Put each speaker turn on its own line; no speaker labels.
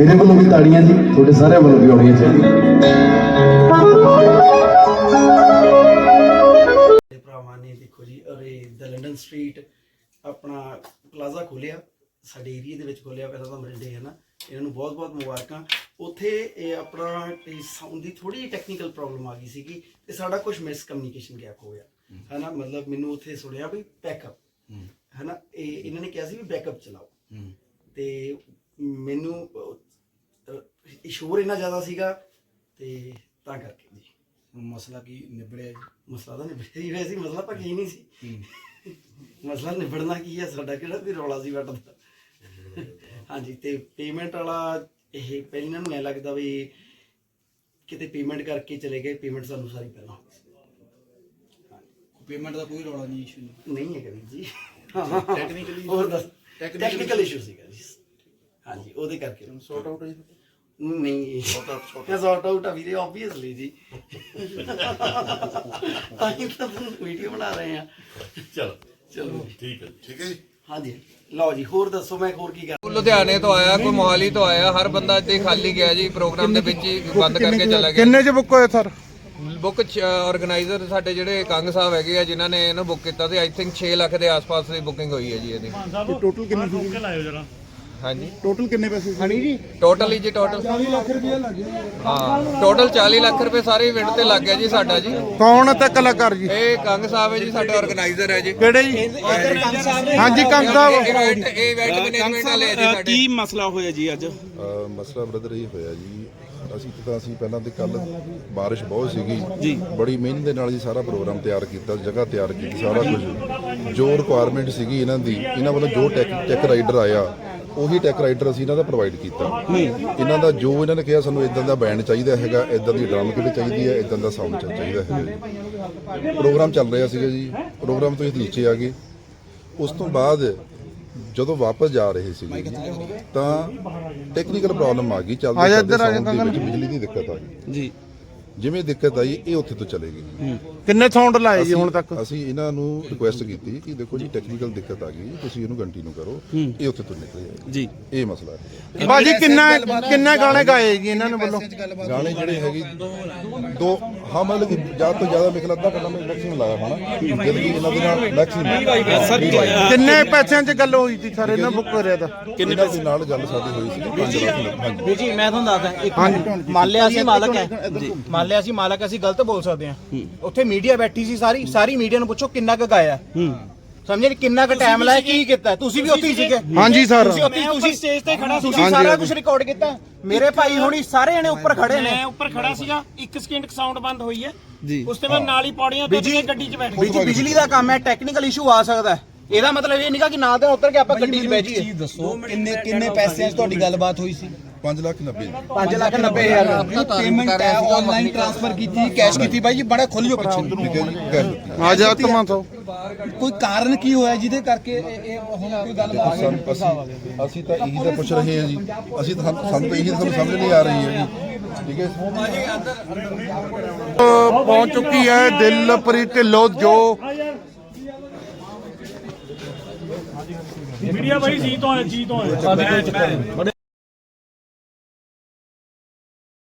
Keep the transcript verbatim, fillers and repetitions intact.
मेरे वालों भी ताड़ियां जी, थोड़े सारे वालों भी होनी चाहिए।
ਭਰਾਵਾਂ ਨੇ ਦੇਖੋ ਜੀ ਅਰੇ ਦ ਲੰਡਨ ਸਟਰੀਟ ਆਪਣਾ ਪਲਾਜ਼ਾ ਖੋਲਿਆ ਸਾਡੇ ਏਰੀਆ ਦੇ ਵਿੱਚ ਖੋਲਿਆ, ਪਹਿਲਾਂ ਤਾਂ ਮਰਿੰਡੇ ਹੈ ਨਾ, ਇਹਨਾਂ ਨੂੰ ਬਹੁਤ ਬਹੁਤ ਮੁਬਾਰਕਾਂ। ਉੱਥੇ ਇਹ ਆਪਣਾ ਸਾਊਂਡ ਦੀ ਥੋੜੀ ਜਿਹੀ ਟੈਕਨੀਕਲ ਪ੍ਰੋਬਲਮ ਆ ਗਈ ਸੀਗੀ ਤੇ ਸਾਡਾ ਕੁਝ ਮਿਸ ਕਮਿਊਨੀਕੇਸ਼ਨ ਗੈਪ ਹੋ ਗਿਆ ਹੈ ਨਾ। ਮਤਲਬ ਮੈਨੂੰ ਉੱਥੇ ਸੁਣਿਆ ਵੀ ਬੈਕਅਪ ਹੈ ਨਾ, ਇਹ ਇਹਨਾਂ ਨੇ ਕਿਹਾ ਸੀ ਵੀ ਬੈਕਅਪ ਚਲਾਓ ਤੇ ਮੈਨੂੰ ਸ਼ੋਰ ਇੰਨਾ ਜ਼ਿਆਦਾ ਸੀਗਾ ਤੇ ਤਾਂ ਕਰਕੇ ਜੀ
ਮਸਲਾ ਕੀ ਨਿਬੜਿਆ ਜੀ?
ਮਸਲਾ ਤਾਂ ਨਿਬੜਿਆ ਹੀ ਹੋਇਆ ਸੀ, ਮਸਲਾ ਤਾਂ ਕੀ ਨਹੀਂ ਸੀ। ਮਸਲਾ ਨਿਬੜਨਾ ਕੀ ਹੈ, ਸਾਡਾ ਕਿਹੜਾ ਕੋਈ ਰੌਲਾ ਸੀ ਵੱਟ ਦਾ। ਹਾਂਜੀ ਤੇ ਪੇਮੈਂਟ ਵਾਲਾ ਇਹ ਪਹਿਲਾਂ ਇਹਨਾਂ ਨੂੰ ਐ ਲੱਗਦਾ ਵੀ ਕਿਤੇ ਪੇਮੈਂਟ ਕਰਕੇ ਚਲੇ ਗਏ, ਪੇਮੈਂਟ ਸਾਨੂੰ ਸਾਰੀ ਪਹਿਲਾਂ
ਪੇਮੈਂਟ ਦਾ ਕੋਈ ਰੌਲਾ ਨਹੀਂ, ਇਸ਼ੂ ਨਹੀਂ
ਨਹੀਂ ਹੈਗਾ ਵੀਰ ਜੀ।
ਟੈਕਨੀਕਲੀ
ਹੋਰ ਦੱਸ ਟੈਕਨੀਕਲ ਇਸ਼ੂ ਸੀਗਾ ਜੀ। ਹਾਂਜੀ ਉਹਦੇ ਕਰਕੇ
ਸੌਟ ਆਊਟ ਹੈ
ਨਹੀਂ ਸੌਟ ਆਊਟ ਆ ਵੀਰੇ, ਆਬਵੀਅਸਲੀ ਜੀ। ਅਸੀਂ ਤਾਂ ਵੀਡੀਓ ਬਣਾ ਰਹੇ ਆ।
ਚਲੋ
ਚਲੋ
ਠੀਕ ਹੈ ਠੀਕ ਹੈ ਜੀ।
ਹਾਂਜੀ ਲਓ ਜੀ ਹੋਰ ਦੱਸੋ, ਮੈਂ ਹੋਰ ਕੀ ਕਰ।
ਲੁਧਿਆਣੇ ਤੋਂ ਆਇਆ, ਕੋਈ ਮੋਹਾਲੀ ਤੋਂ ਆਇਆ, ਹਰ ਬੰਦਾ ਇੱਥੇ ਖਾਲੀ ਗਿਆ ਜੀ। ਪ੍ਰੋਗਰਾਮ ਦੇ ਵਿੱਚ ਹੀ ਬੰਦ ਕਰਕੇ ਚਲਾ ਗਿਆ।
ਕਿੰਨੇ ਚ ਬੁੱਕ ਹੋਏ ਸਰ?
ਬੁੱਕ ਆਰਗੇਨਾਈਜ਼ਰ ਸਾਡੇ ਜਿਹੜੇ ਕੰਗ ਸਾਹਿਬ ਹੈਗੇ ਆ ਜਿਨ੍ਹਾਂ ਨੇ ਇਹਨੂੰ ਬੁੱਕ ਕੀਤਾ ਸੀ, ਆਈ ਥਿੰਕ ਛੇ ਲੱਖ ਦੇ ਆਸ-ਪਾਸ ਦੀ ਬੁਕਿੰਗ ਹੋਈ ਹੈ ਜੀ ਇਹਦੀ।
ਟੋਟਲ ਕਿੰਨੇ ਸੀ?
ਹਾਂਜੀ
ਟੋਟਲ ਕਿੰਨੇ ਪੈਸੇ ਹਣੀ ਜੀ?
ਟੋਟਲ ਹੀ ਜੀ ਟੋਟਲ
ਚਾਲੀ ਲੱਖ ਰੁਪਏ ਲੱਗੇ।
ਹਾਂ ਟੋਟਲ ਚਾਲੀ ਲੱਖ ਰੁਪਏ ਸਾਰੇ ਇਵੈਂਟ ਤੇ ਲੱਗ ਗਿਆ ਜੀ ਸਾਡਾ ਜੀ।
ਕੌਣ ਤੇ ਕਲਾਕਾਰ ਜੀ?
ਇਹ ਕੰਗ ਸਾਹਿਬ ਹੈ ਜੀ, ਸਾਡੇ ਆਰਗੇਨਾਈਜ਼ਰ ਹੈ ਜੀ।
ਕਿਹੜੇ ਜੀ? ਹਾਂਜੀ ਕੰਗ ਸਾਹਿਬ।
ਇਵੈਂਟ ਇਹ ਇਵੈਂਟ ਮੈਨੇਜਮੈਂਟ ਵਾਲੇ ਹੈ ਜੀ ਸਾਡੇ।
ਕੀ ਮਸਲਾ ਹੋਇਆ ਜੀ ਅੱਜ?
ਮਸਲਾ ਬ੍ਰਦਰ ਇਹ ਹੋਇਆ ਜੀ, ਅਸੀਂ ਤਾਂ ਅਸੀਂ ਪਹਿਲਾਂ ਤੇ ਕੱਲ ਬਾਰਿਸ਼ ਬਹੁਤ ਸੀਗੀ ਜੀ, ਬੜੀ ਮਿਹਨਤ ਦੇ ਨਾਲ ਜੀ ਸਾਰਾ ਪ੍ਰੋਗਰਾਮ ਤਿਆਰ ਕੀਤਾ, ਜਗ੍ਹਾ ਤਿਆਰ ਕੀਤੀ, ਸਾਰਾ ਕੁਝ ਜੋ ਰਿਕੁਆਇਰਮੈਂਟ ਸੀਗੀ ਇਹਨਾਂ ਦੀ, ਇਹਨਾਂ ਵੱਲੋਂ ਜੋ ਟੈਕ ਟੈਕ ਰਾਈਡਰ ਆਇਆ ਉਹੀ ਟੈਕ ਰਾਈਡਰ ਅਸੀਂ ਇਹਨਾਂ ਦਾ ਪ੍ਰੋਵਾਈਡ ਕੀਤਾ। ਇਹਨਾਂ ਦਾ ਜੋ ਇਹਨਾਂ ਨੇ ਕਿਹਾ ਸਾਨੂੰ ਇਦਾਂ ਦਾ ਬੈਂਡ ਚਾਹੀਦਾ ਹੈਗਾ, ਇਦਾਂ ਦੀ ਡਰਮ ਕਿਟ ਚਾਹੀਦੀ ਹੈ, ਇਦਾਂ ਦਾ ਸਾਊਂਡ ਚਾਹੀਦਾ ਹੈਗਾ ਜੀ। ਪ੍ਰੋਗਰਾਮ ਚੱਲ ਰਿਹਾ ਸੀਗਾ ਜੀ, ਪ੍ਰੋਗਰਾਮ ਤੋਂ ਇਹ ਨੀਚੇ ਆ ਗਏ। ਉਸ ਤੋਂ ਬਾਅਦ ਜਦੋਂ ਵਾਪਸ ਜਾ ਰਹੇ ਸੀਗੇ ਜੀ ਤਾਂ ਟੈਕਨੀਕਲ ਪ੍ਰੋਬਲਮ ਆ ਗਈ, ਚੱਲਦੇ ਚੱਲਦੇ ਸਾਊਂਡ ਦੇ ਵਿੱਚ ਬਿਜਲੀ ਦੀ ਦਿੱਕਤ ਆ ਗਈ ਜੀ। ਜਿਵੇਂ ਦਿੱਕਤ ਆਈ ਇਹ ਉੱਥੇ ਤੋਂ ਚਲੇ ਗਏ।
ਕਿੰਨੇ ਸਾਊਂਡ ਲਾਏ ਜੀ ਹੁਣ ਤੱਕ?
ਅਸੀਂ ਇਹਨਾਂ ਨੂੰ ਰਿਕੁਐਸਟ ਕੀਤੀ ਕਿ ਦੇਖੋ ਜੀ ਟੈਕਨੀਕਲ ਦਿੱਕਤ ਆ ਗਈ, ਤੁਸੀਂ ਇਹਨੂੰ ਕੰਟੀਨਿਊ ਕਰੋ, ਇਹ ਉੱਥੇ ਤੋਂ ਨਿਕਲੇ ਜੀ। ਇਹ ਮਸਲਾ ਹੈ
ਬਾਜੀ। ਕਿੰਨਾ ਕਿੰਨੇ ਗਾਣੇ ਗਾਏ ਜੀ ਇਹਨਾਂ ਨੇ ਵੱਲੋਂ?
ਗਾਣੇ ਜਿਹੜੇ ਹੈਗੇ ਦੋ ਹਾਂ ਮਤਲਬ ਕਿ ਜ਼ਿਆਦਾ ਤੋਂ ਜ਼ਿਆਦਾ ਮੇਰੇ ਖਿਆਲ ਅੱਧਾ ਘੰਟਾ ਮੈਂ ਮੈਕਸਿਮਮ ਲਾਇਆ ਹੋਣਾ, ਜਦ ਕਿ ਇਹਨਾਂ ਦੇ ਨਾਲ ਮੈਕਸਿਮਮ।
ਕਿੰਨੇ ਪੈਸਿਆਂ 'ਚ ਗੱਲ ਹੋਈ ਸੀ ਸਰ ਇਹਨਾਂ ਬੁੱਕ ਕਰਿਆ ਤਾਂ?
ਕਿੰਨੇ ਪੈਸੇ ਨਾਲ ਗੱਲ ਸਾਡੀ ਹੋਈ ਸੀ ਪੰਜ ਲੱਖ। ਹਾਂਜੀ
ਵੀਰ ਜੀ ਮੈਂ ਤੁਹਾਨੂੰ ਦੱਸਦਾ, ਇੱਕ ਮੰਨ ਲਿਆ ਅਸੀਂ ਮਾਲਕ ਹੈ ਜੀ, ਮੰਨ ਲਿਆ ਅਸੀਂ ਮਾਲਕ, ਅਸੀਂ ਗਲਤ ਬੋਲ ਸਕਦੇ ਹਾਂ। ਉੱਥੇ ਮੀਡੀਆ ਬੈਠੀ ਸੀ, ਸਾਰੀ ਸਾਰੀ ਮੀਡੀਆ ਨੂੰ ਪੁੱਛੋ ਕਿੰਨਾ ਕੁ ਗਾਇਆ, ਸਮਝੇ ਨੀ ਕਿੰਨਾ ਕੁ ਟਾਈਮ ਲਾਇਆ, ਕੀ ਕੀਤਾ। ਤੁਸੀਂ ਵੀ ਉੱਥੇ ਹੀ ਸੀਗੇ।
ਹਾਂਜੀ ਸਰ।
ਤੁਸੀਂ ਉੱਥੇ ਤੁਸੀਂ ਸਟੇਜ ਤੇ ਖੜਾ ਸੀ, ਤੁਸੀਂ ਸਾਰਾ ਕੁਝ ਰਿਕਾਰਡ ਕੀਤਾ। ਮੇਰੇ ਭਾਈ ਹੁਣੀ ਸਾਰੇ ਜਣੇ ਉੱਪਰ ਖੜੇ ਨੇ।
ਮੈਂ ਉੱਪਰ ਖੜਾ ਸੀਗਾ, ਇੱਕ ਸਕਿੰਟ ਸਾਊਂਡ ਬੰਦ ਹੋਈ ਹੈ ਜੀ, ਉਸ ਤੋਂ ਬਾਅਦ ਨਾਲ ਹੀ ਪੌੜੀਆਂ ਤੋਂ ਗੱਡੀ 'ਚ ਬੈਠ ਗਏ।
ਬਿਜਲੀ ਦਾ ਕੰਮ ਹੈ, ਟੈਕਨੀਕਲ ਇਸ਼ੂ ਆ ਸਕਦਾ। ਇਹਦਾ ਮਤਲਬ ਇਹ ਨਹੀਂਗਾ ਕਿ ਨਾਲ ਦੇ ਉੱਤਰ ਕੇ ਆਪਾਂ ਗੱਡੀ 'ਚ ਬੈਠ ਜਾਈਏ।
ਦੱਸੋ ਕਿੰਨੇ ਕਿੰਨੇ ਪੈਸਿਆਂ 'ਚ ਤੁਹਾਡੀ ਗੱਲਬਾਤ ਹੋਈ ਸੀ?
ਪੰਜ ਲੱਖ ਨੱਬੇ
ਪੰਜ ਲੱਖ ਨੱਬੇ ਹਜ਼ਾਰ ਆਪਣੀ ਪੇਮੈਂਟ ਹੈ ਆਨਲਾਈਨ ਟ੍ਰਾਂਸਫਰ ਕੀਤੀ, ਕੈਸ਼ ਕੀਤੀ। ਬਾਈ ਜੀ ਬੜਾ ਖੁੱਲ ਜੋ ਪਿੱਛੇ
ਆ ਜਾ ਤਮਾ ਤੋਂ
ਕੋਈ ਕਾਰਨ ਕੀ ਹੋਇਆ ਜਿਹਦੇ ਕਰਕੇ ਇਹ ਹੁਣ ਕੋਈ ਗੱਲਬਾਤ?
ਅਸੀਂ ਅਸੀਂ ਤਾਂ ਇਹੀ ਤਾਂ ਪੁੱਛ ਰਹੇ ਹਾਂ ਜੀ, ਅਸੀਂ ਤਾਂ ਸਾਨੂੰ ਤਾਂ ਇਹੀ ਸਾਨੂੰ ਸਮਝ ਨਹੀਂ ਆ ਰਹੀ ਹੈ ਜੀ। ਠੀਕ ਹੈ
ਪਹੁੰਚ ਚੁੱਕੀ ਹੈ ਦਿਲਪ੍ਰੀਤ ਢਿੱਲੋਂ ਜੋ
ਮੀਡੀਆ ਬਾਈ ਜੀ ਤੋਂ ਆਇਆ ਜੀ ਤੋਂ ਆਇਆ।